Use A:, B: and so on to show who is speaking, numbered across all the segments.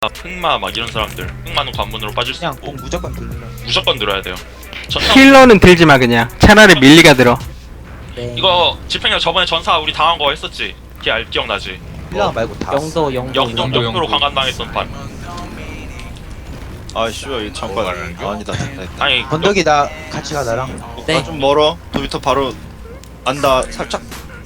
A: 흑마 막 이런 사람들 흑마는 관문으로 빠질 수
B: 그냥
A: 있고
B: 공 무조건 들려.
A: 무조건 들어야 돼요. 전사
C: 힐러는 들지마 그냥. 차라리 밀리가 들어.
B: 네.
A: 이거 집행력 저번에 전사 우리 당한 거 했었지? 기억나지?
B: 힐러 말고 다.
D: 영도
A: 영도로 강간당했던 판.
E: 아 씨발 이 잠깐 아니다 됐다.
A: 아니
B: 건더기 나 같이 가 나랑.
D: 네.
E: 아 좀 멀어. 도비터 바로 안다 살짝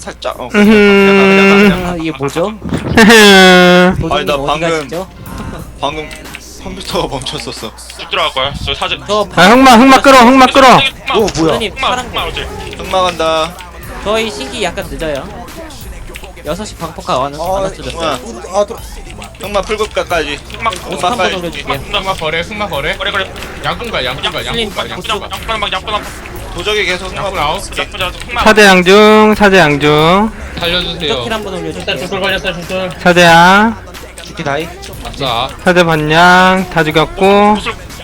D: 아, 이게 뭐죠? 도전님
E: 아니, 나
D: 어디
E: 방금-
D: 가시죠?
E: 방금 컴퓨터가 멈췄었어.
A: 쭉 들어갈 거야. 저 사진.
D: 저
C: 아 흑마 끌어 흑마 끌어.
B: 오 뭐야?
D: 도전님
A: 흑마
D: 파란
A: 흑마 어제.
E: 흑마 간다.
D: 저희 신기 약간 늦어요. 6시 방폭가 안 왔어졌어요.
E: 흑마 흑마 풀급가까지.
A: 흑마
D: 한 번 올려줄게요.
A: 흑마
F: 거래 승마 거래
A: 그래 그래.
F: 양꾼가
D: 슬림
A: 양꾼
E: 도적이 계속 흑마
F: 양꾼 아웃
A: 흑마.
C: 사제양중 사제양중
F: 살려주세요
D: 킬 한번 올려줄게요.
F: 걸렸어 주술
C: 사제야
B: 죽기 다이.
F: 아싸
C: 사제 반냥 다 죽였고.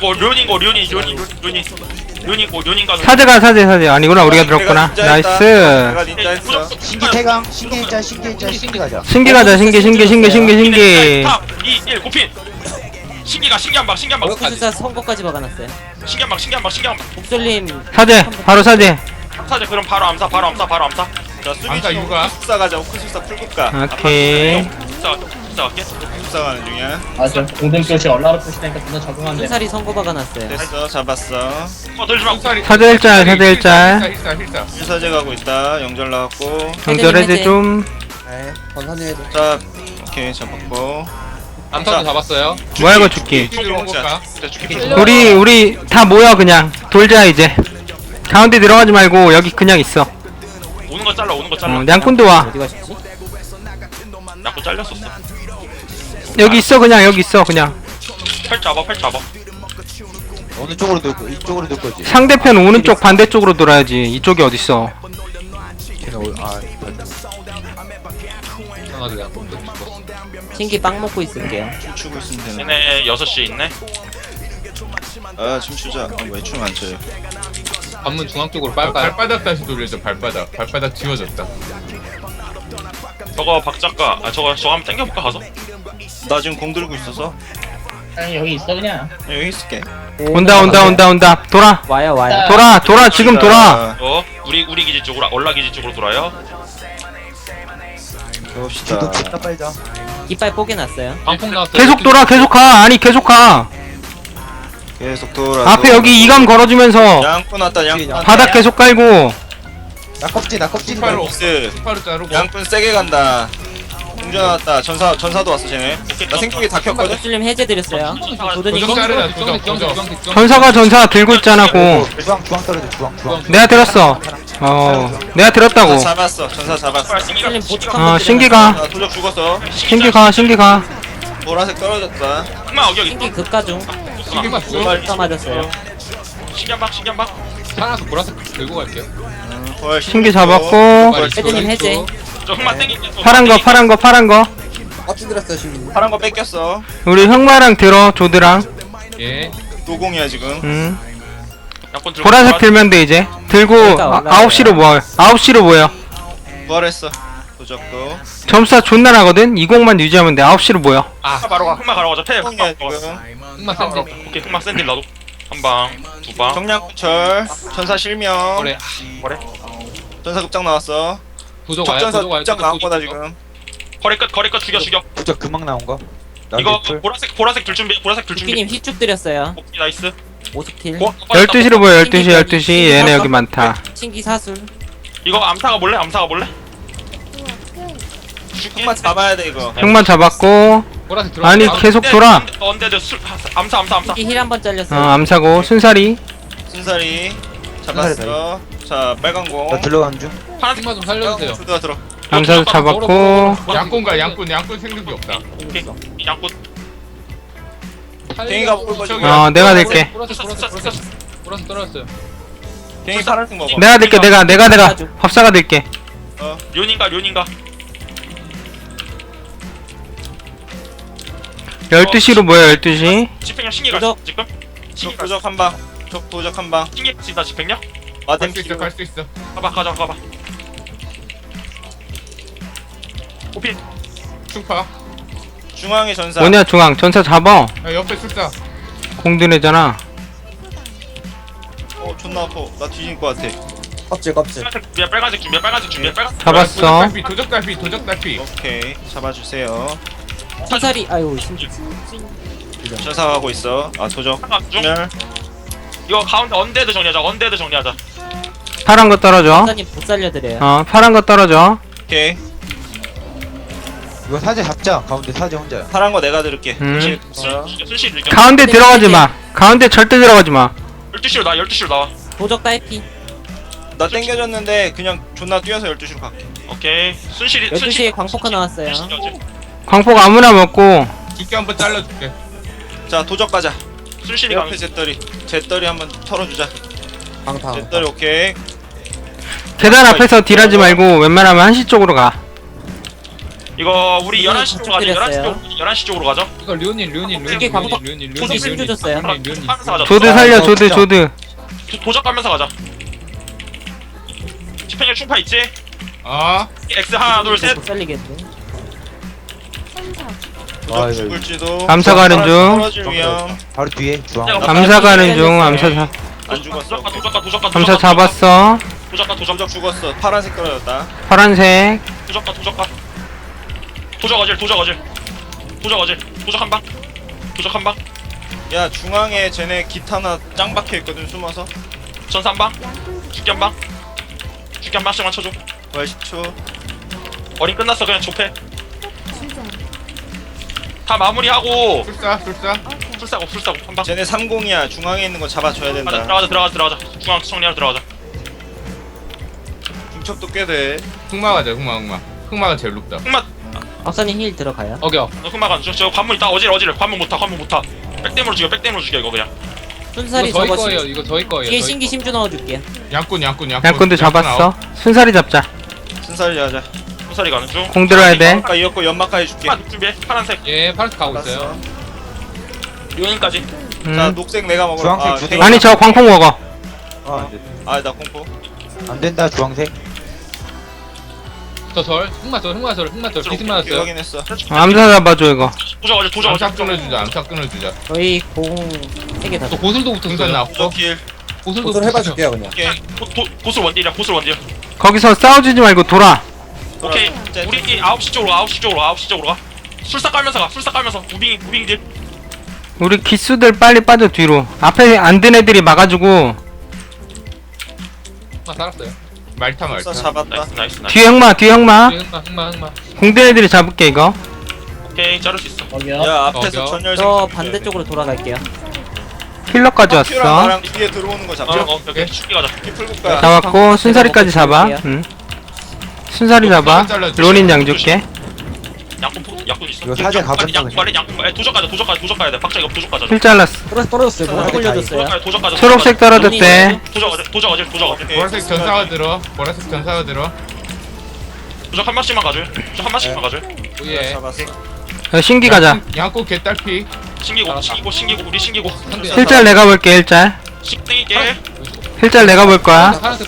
A: 료닌가
C: 사제 아니구나 우리가 들었구나. 나이스.
E: 내가 닌자 했어.
B: 신기 태강. 신기 일자. 신기 가자.
C: 신기 가자 신기
A: 3, 2, 1 고핀. 신기가 신기한방
D: 오크수사 선거까지 박아놨어요.
A: 신기한방
D: 목솔님
C: 사제 바로 사제.
A: 사제 그럼 바로 암사
E: 자 수비
F: 안가 육아.
E: 숫사 가자. 오크술사 풀급가.
C: 오케이.
A: 숫자 갈게.
E: 숫사 가는 중이야.
G: 저 공등교시 얼라로 표시되니까 존나 적응한데.
D: 순살이 선거 박아놨어요.
E: 됐어 잡았어.
A: 들지마.
C: 사제 일짤 사제 일짤.
F: 힐사
E: 일사제 가고 있다. 영절 나왔고.
C: 정절해제 좀.
B: 네. 전산이 해도.
E: 자 오케이 잡았고.
F: 암사도 잡았어요
C: 뭐야 이거 죽기.
F: 들어온 걸까?
C: 우리 다 모여 그냥 돌자 이제. 가운데 들어가지 말고 여기 그냥 있어.
A: 오는 거 잘라.
C: 양꾼도 와.
D: 어디 가셨지?
A: 양꾼 잘렸었어.
C: 여기 있어 그냥 여기 있어 그냥.
A: 팔 잡아.
B: 어느 쪽으로 돌고 이쪽으로 돌 거지.
C: 상대편 오는 쪽 반대쪽으로 돌아야지. 이쪽이 어딨어.
B: 걔는
F: 이상하게 양꾼 죽었어
D: 신기 빵 먹고 있을게요.
E: 춤추고 있으면 되네.
A: 얘네 6시에 있네.
E: 아 춤추자. 왜 춤 안 춰요?
F: 관문 중앙 쪽으로 빨까요? 발바닥 다시 돌려줘 발바닥 지워졌다
A: 저거 박 작가. 저거 한번 땡겨볼까 가서?
E: 나 지금 공 들고 있어서
G: 아니 여기 있어 그냥.
E: 여기 있을게.
C: 온다.
D: 와요.
C: 돌아 지금 돌아.
A: 우리 기지 쪽으로 얼라 기지 쪽으로 돌아요.
E: 해봅시다.
B: 주도 존나 빨자.
D: 이빨 뽀개놨어요.
F: 방폭 나왔어요
C: 계속 돌아 계속 가. 아니 계속 가.
E: 계속 돌아.
C: 앞에 여기 이감 걸어주면서
E: 양꾼 왔다. 양꾼.
C: 바닥 계속 깔고.
B: 나 껍질.
F: 팔로
E: 믹스.
F: 팔로 자르고
E: 양꾼 세게 간다. 공전 왔다. 전사도 왔어 쟤네. 나 생각이 다 켰거든.
D: 목솔님 해제드렸어요. 도전님
F: 도적 자르자 도적
C: 전사 들고 있잖아 고.
B: 주황 떨어져. 주황.
C: 내가 들었어. 내가 들었다고.
E: 잡았어. 전사 잡았어.
D: 목솔님 보충 한번
C: 신기가
E: 아 도적 죽었어.
C: 신기가.
E: 보라색 떨어졌다.
A: 흑마 여기
D: 신기 극가 중.
F: 신기만
D: 다 맞았어요.
A: 신기한방.
F: 살아서 보라색 들고 갈게요
E: 부활
C: 신기 잡았고.
D: 헤드님 해제.
A: 저 흑마 땡기.
C: 파란 거.
E: 파란 거 뺏겼어.
C: 우리 흑마랑 들어 조드랑.
F: 예
E: 노공이야 지금.
A: 양꾼 들고.
C: 보라색 들면 돼 이제. 들고 9시로 모여.
E: 부활했어. 도적도.
C: 점수가 존나 나거든. 20만 유지하면 돼. 9시로 모여.
A: 흑마 가러 가자. 패.
E: 노공이야 지금.
F: 흑마 샌드
A: 오케이 흑마 샌딜 나도. 한 방, 두 방.
E: 정량구철. 전사 실명.
F: 거래
E: 전사 급장 나왔어.
F: 도적 와요
E: 적전사
F: 도적 와요
E: 급장 나온 거다 지금.
A: 거리 끝 죽여.
B: 부적 금방 나온 거.
A: 이거 보라색 들 준비.
D: 도끼님 휘쭉 드렸어요.
A: 오케이 나이스.
D: 5스킬.
C: 12시로 모여. 12시. 얘네 여기 많다.
D: 신기 사술.
A: 이거 암사가 볼래?
E: 흑마 잡아야 돼 이거.
C: 흑마 잡았고.
F: 보라색 들어와
C: 아니 계속 돌아.
A: 언데드 암사.
D: 신기 힐 한번 잘렸어요.
C: 암사고 순살이.
E: 순살이 잡았어. 자 빨간 공.
B: 나 들어가는 중.
A: 파란색
F: 흑마 좀 살려주세요
E: 들어.
C: 암사도 잡았고.
F: 양꾼 생각이 없다
A: 양꾼.
E: 갱이가 먹을 거지.
C: 내가 될게.
F: 보라색 떨어졌어요
E: 갱이 파란색 먹어.
C: 내가 될게. 내가 법사가 될게.
A: 료닌가.
C: 12시로 모여. 12시.
A: 집행력 신기가
D: 도적.
A: 지금.
E: 도적 한 방. 도적 한 방.
A: 신기 진다 집행력.
E: 마뎀
F: 갈 수 있어
A: 가봐. 호필.
F: 충파
E: 중앙에 전사.
C: 뭐냐 중앙 전사 잡아.
F: 야 옆에 술사.
C: 공드네잖아.
E: 존나 아파. 나 뒤질 것 같아.
B: 껍질 껍질.
A: 빨간색 준비야 빨간색 준비야 빨간색.
C: 잡았어.
F: 도적 달피 도적 달피.
E: 오케이 잡아주세요.
D: 사살이 아이고 심지.
E: 전사 가고 있어. 아 도적.
A: 중.
E: 멸.
A: 이거 가운데 언데드 정리하자. 언데드 정리하자.
C: 파란 거 떨어져.
D: 사장님 못 살려드려요.
C: 파란 거 떨어져.
E: 오케이.
B: 이거 사제 잡자. 가운데 사제 혼자야.
E: 파란 거 내가 들을게.
C: 음.
A: 순실 일격.
C: 가운데 들어가지 마. 가운데 절대 들어가지 마.
A: 12시로 나와 12시로 나와.
D: 도적 딸피.
E: 나 땡겨졌는데 그냥 존나 뛰어서 12시로 갈게.
A: 오케이. 순실이
D: 12시에 광폭화 나왔어요.
C: 광폭 아무나 먹고.
F: 두께 한번 잘라줄게.
E: 자 도적 가자.
A: 순실이
E: 옆에
A: 강.
E: 잿더리 한번 털어주자.
B: 방탕.
E: 잿더리 오케이.
C: 계단 앞에서 딜하지 말고 웬만하면 한시 쪽으로 가.
A: 이거 우리 11시 쪽으로 가자. 11시
D: 드렸어요.
A: 쪽 11시 쪽으로 가자.
F: 이거 류님
D: 두께 광폭. 두께 심주 줬어요.
A: 하면서 가자.
C: 조드 살려 조드 조드.
A: 도적 가면서 가자. 집행력 충파 있지?
F: 아
A: X 하나 둘 셋.
D: 못 살리겠네.
E: 도적
B: 이거
E: 죽을지도.
C: 암사 가는 중.
E: 떨어질 위험.
B: 바로 뒤에 주황.
C: 암사 가는 중. 암사
E: 안 죽었어.
A: 도적가
C: 암사 잡았어.
A: 도적가
E: 도적 죽었어. 파란색 떨어졌다.
C: 파란색.
A: 도적 어질 도적 한 방. 도적 한 방.
E: 야 중앙에 쟤네 기타나 짱 박혀 있거든 숨어서.
A: 전사 한 방. 죽기 한 방. 죽기 한 방씩만 쳐줘.
E: 부활 10초.
A: 어린 끝났어 그냥 좁해. 다 마무리하고
F: 술사.
A: 술사고 한 방.
E: 쟤네 30이야. 중앙에 있는 거 잡아줘야 된다.
A: 들어가자. 중앙 정리하러 들어가자.
E: 중첩도 꽤 돼.
F: 흑마 가자 흑마가 제일 높다.
A: 흑마
D: 박사님 힐 들어가요.
F: 어겨.
A: 너 흑마 가는 중. 저 관문 있다. 어질 관문 못 타. 백댐으로 죽여 이거 그냥.
D: 순살이
F: 이거 저희
D: 저거
F: 거예요. 이거 저희 거예요.
D: 뒤에
F: 저희
D: 신기
F: 거.
D: 심주 넣어줄게요.
F: 양꾼.
C: 양꾼도 잡았어. 순살이 잡자.
E: 순살이 하자.
A: 소살이 가는 중.
C: 공 들어야 돼.
E: 아까 이었고 연막까 해줄게.
A: 흑마 준비해. 파란색.
F: 예 파란색 가고 있어요.
E: 알았어.
A: 요인까지.
E: 자
C: 음.
E: 녹색 내가 먹어.
B: 주황색 두 개.
C: 아니 저 광폭 먹어.
E: 아나 공포.
B: 안 된다 주황색.
F: 저절 흑마절 비스
E: 오케이,
F: 맞았어요.
E: 확인했어.
C: 암사 잡아줘 이거.
A: 도적
F: 암사
A: 어질.
F: 끊어주자.
D: 저희 공 3개 다.
F: 또 고술도 붙었어요.
E: 도적
F: 나왔고.
E: 킬.
F: 고술도 붙었어요.
B: 그냥.
E: 오케이.
A: 고술 원딜이야.
C: 거기서 싸워주지 말고 돌아.
A: 오케이.
E: 자,
A: 우리 9시 쪽으로 가. 술사 깔면서 무빙 딜.
C: 우리 기수들 빨리 빠져 뒤로. 앞에 안 든 애들이 막아주고.
F: 흑마 살았어요. 말타.
E: 써 잡았다.
A: 나이스.
C: 뒤에 흑마.
F: 흑마.
C: 공든 애들이 잡을게 이거.
A: 오케이 자를 수 있어.
G: 거기요.
E: 야 앞에서
F: 어,
E: 전열.
D: 저 반대쪽으로 돌아갈게요.
C: 힐러까지
E: 큐랑
C: 왔어.
E: 나랑 뒤에 들어오는 거 잡자.
A: 오케이 죽기 가자.
E: 피 풀고 가.
C: 잡았고 순살이까지 잡아. 응. 순살이 잡아. 로닌 양 줄게.
A: 약분 있어.
B: 이거 사제 가본다
A: 양꾼 말해 양꾼. 도적 가야 돼. 박자 이거 도적 가자.
C: 힐 잘랐어.
B: 떨어졌어요.
D: 저 올려줬어요.
A: 도적 가자.
C: 초록색 떨어졌대.
A: 도적 어질.
E: 오케이.
F: 보라색 전사가 들어.
A: 도적 한 마씩만 가줘.
F: 오예.
E: 잡았어.
C: 신기 가자.
F: 양꾼 개딸피.
A: 신기고 우리 신기고.
C: 힐짤 내가 볼게 힐짤.
A: 식등이게.
C: 힐짤 내가 볼 거야.
F: 파란색.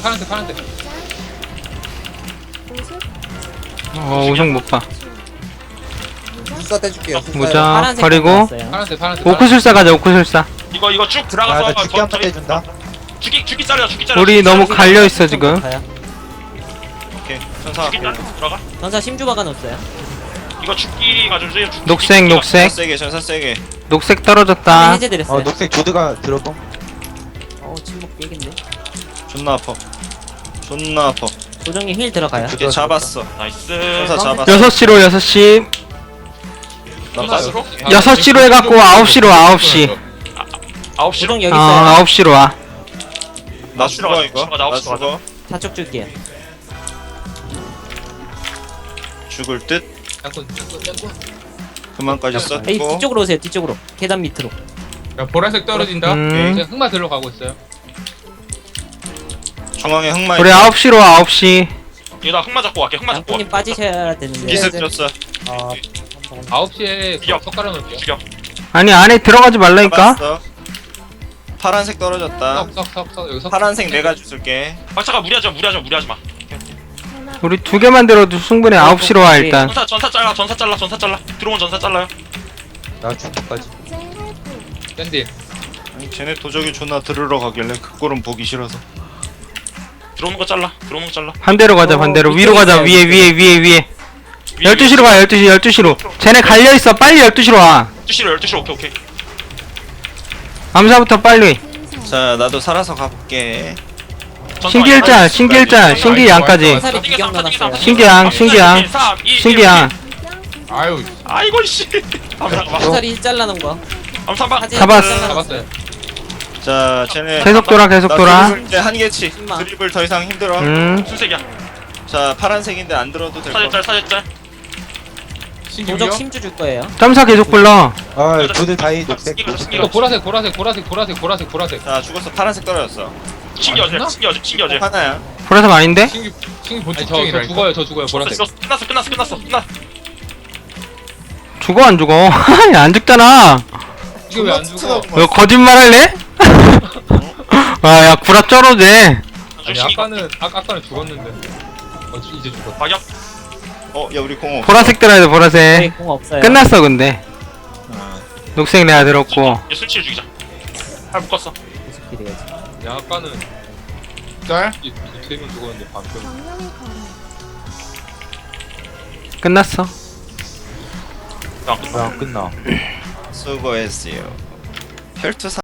C: 우승 못 봐.
B: 수사 떼줄게요.
C: 모자
D: 파란색
C: 버리고
D: 나왔어요.
F: 파란색.
C: 오크술사 가자 오크술사.
A: 이거 쭉 들어가서
B: 나 죽기 한번 떼준다.
A: 죽기 자르자.
C: 우리 너무 갈려 있어 지금.
D: 가요.
E: 오케이. 전사.
A: 죽기 자르 들어가.
D: 전사 심주 박아놓았어요.
A: 이거 죽기 가져주세요.
C: 녹색 녹색
E: 세게 전사 세게.
C: 녹색 떨어졌다.
D: 해제드렸어요.
B: 녹색 조드가 들어봄.
D: 침묵 깨긴데.
E: 존나 아파.
D: 조정님 힐 들어가요.
E: 얘 잡았어.
A: 나이스.
E: 전사 잡았어.
C: 6시로 6시.
A: 나스로?
C: 6시로 해갖고 9시로 9시.
A: 9시로.
D: 조정 여기 있어요.
C: 9시로 와.
E: 나 죽어 이거.
A: 가자,
E: 나
A: 가자.
E: 죽어.
D: 좌측 줄게요.
E: 죽을 듯.
F: 양꾼.
E: 그만까지
D: 에이
E: 썼고.
D: 뒤쪽으로 오세요. 뒤쪽으로. 계단 밑으로.
F: 야 보라색 떨어진다.
C: 음.
F: 제가 흑마 들어가고 있어요.
E: 중앙에 흑마.
C: 우리 9시로 와 9시.
A: 이거 나 흑마 잡고 갈게. 흑마 잡고
D: 양꾼님 빠지셔야 되는데.
E: 기습 줬어.
F: 9시에
A: 죽여.
F: 석 깔아놓을게요.
A: 죽여.
C: 아니 안에 들어가지 말라니까.
E: 잡았어. 파란색 떨어졌다.
F: 석 여기 석.
E: 파란색 내가 줄게.
A: 박차가 무리하지 마.
C: 우리 2개만 들어도 충분해. 9시로 와 일단.
A: 전사 잘라. 들어온 전사 잘라요.
B: 나 중국까지.
F: 샌디.
E: 아니, 쟤네 도적이 존나 들으러 가길래 그 꼴은 보기 싫어서.
A: 들어오는 거 잘라. 들어오는 거 잘라.
C: 반대로 가자 반대로 위로 가자 위에 12시로 가 12시로 쟤네 갈려있어 빨리 12시로 와
A: 12시로 오케이 오케이.
C: 암사부터 빨리
E: 자 나도 살아서 가볼게.
C: 신기일자 신기양까지
D: 화살이 비경 넣어놨어요.
C: 신기양 신기양
F: 아유
A: 아이고 씨. 암사방.
D: 화살이 힐 잘라놓은 거.
A: 암사방.
D: 화재
C: 잡았어.
D: 잘라놨어요.
F: 잡았어요.
E: 자 쟤네
C: 계속 돌아 계속
E: 나
C: 돌아
E: 드리블 이제 한계치.
D: 신망.
E: 드리블 더 이상 힘들어.
A: 순색이야.
E: 자 파란색인데 안 들어도 될 거.
A: 사제짤 사제짤.
F: 신기요?
D: 도적 심주 줄 거예요.
C: 점사 계속 불러
B: 아, 부대 다이 녹색.
F: 이거 보라색.
E: 자 죽었어. 파란색 떨어졌어.
A: 신기어제
F: 맞나?
A: 신기어제.
E: 하나야.
C: 보라색 아닌데?
F: 신기
E: 뭐
F: 보충증이라. 저 죽어요. 보라색.
A: 끝났어.
C: 죽어 안 죽어 안 죽잖아
F: 이게 왜 안 죽어?
C: 너 거짓말할래? 아야 구라 쩔어대
F: 아니 아까는 죽었는데. 이제 죽었어.
A: 박역.
E: 야 우리 공업.
C: 보라색 들어야 돼
D: 저희
C: 보라색
D: 공 없어요.
C: 끝났어 근데
E: 아,
C: 녹색 내가 들었고
A: 얘 순치를 죽이자. 팔 묶었어.
D: 계속 기대야지.
F: 야 아까는
E: 짤?
F: 세명 죽었는데 반편.
C: 끝났어
A: 야,
B: 왜안 끝나?
E: 수고했어요. 혈투